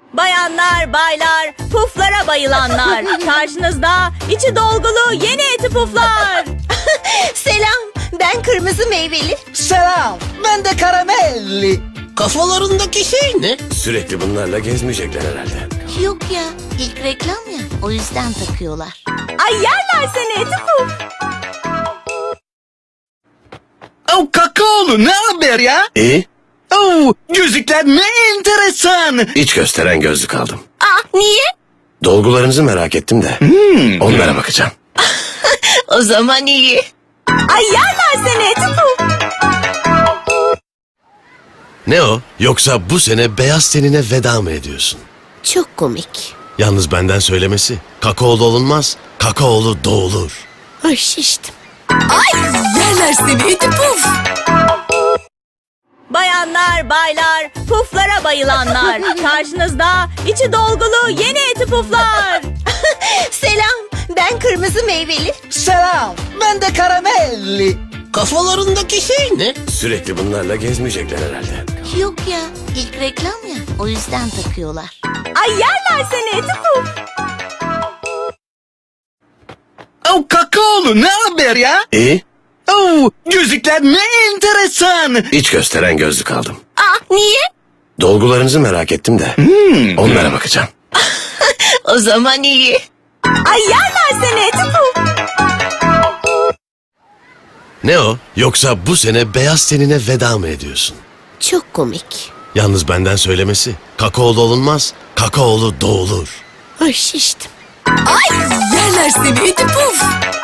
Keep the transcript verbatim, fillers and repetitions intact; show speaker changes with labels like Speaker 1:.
Speaker 1: Bayanlar, baylar, puflara bayılanlar. Karşınızda içi dolgulu yeni eti puflar.
Speaker 2: Selam, ben kırmızı meyveli.
Speaker 3: Selam, ben de karamelli.
Speaker 4: Kafalarındaki şey ne?
Speaker 5: Sürekli bunlarla gezmeyecekler herhalde.
Speaker 2: Yok ya, ilk reklam ya, o yüzden takıyorlar.
Speaker 1: Ay yerler seni eti puf.
Speaker 3: Oh kakaolu, ne haber ya?
Speaker 5: İyi.
Speaker 3: Oh, gözlükler ne enteresan.
Speaker 5: İç gösteren gözlük aldım.
Speaker 2: Aa, niye?
Speaker 5: Dolgularınızı merak ettim de. Onlara bakacağım.
Speaker 2: O zaman iyi.
Speaker 1: Ay yerler seni eti puf.
Speaker 5: Ne o? Yoksa bu sene beyaz tenine veda mı ediyorsun?
Speaker 2: Çok komik.
Speaker 5: Yalnız benden söylemesi. Kakaolu olunmaz, kakaolu doğulur.
Speaker 2: Ay şiştim. Ay yerler seni iti puf.
Speaker 1: Bayanlar, baylar, puflara bayılanlar. Karşınızda içi dolgulu yeni eti puflar.
Speaker 2: Selam, ben kırmızı meyveli.
Speaker 3: Selam, ben de karamelli.
Speaker 4: Kafalarındaki şey ne?
Speaker 5: Sürekli bunlarla gezmeyecekler herhalde.
Speaker 2: Yok ya, ilk reklam ya, o yüzden takıyorlar.
Speaker 1: Ay yerler seni eti puf.
Speaker 3: Oh kakaolu, ne haber ya?
Speaker 5: İyi.
Speaker 3: Oh, gözlükler ne enteresan.
Speaker 5: İç gösteren gözlük aldım.
Speaker 2: Aa, niye?
Speaker 5: Dolgularınızı merak ettim de. Onlara bakacağım.
Speaker 2: O zaman iyi.
Speaker 1: Ay yerler seni eti puf.
Speaker 5: Ne o? Yoksa bu sene beyaz tenine veda mı ediyorsun?
Speaker 2: Çok komik.
Speaker 5: Yalnız benden söylemesi. Kakaolu olunmaz, kakaolu doğulur.
Speaker 2: Ay şiştim. Ay yerler seni iti puf.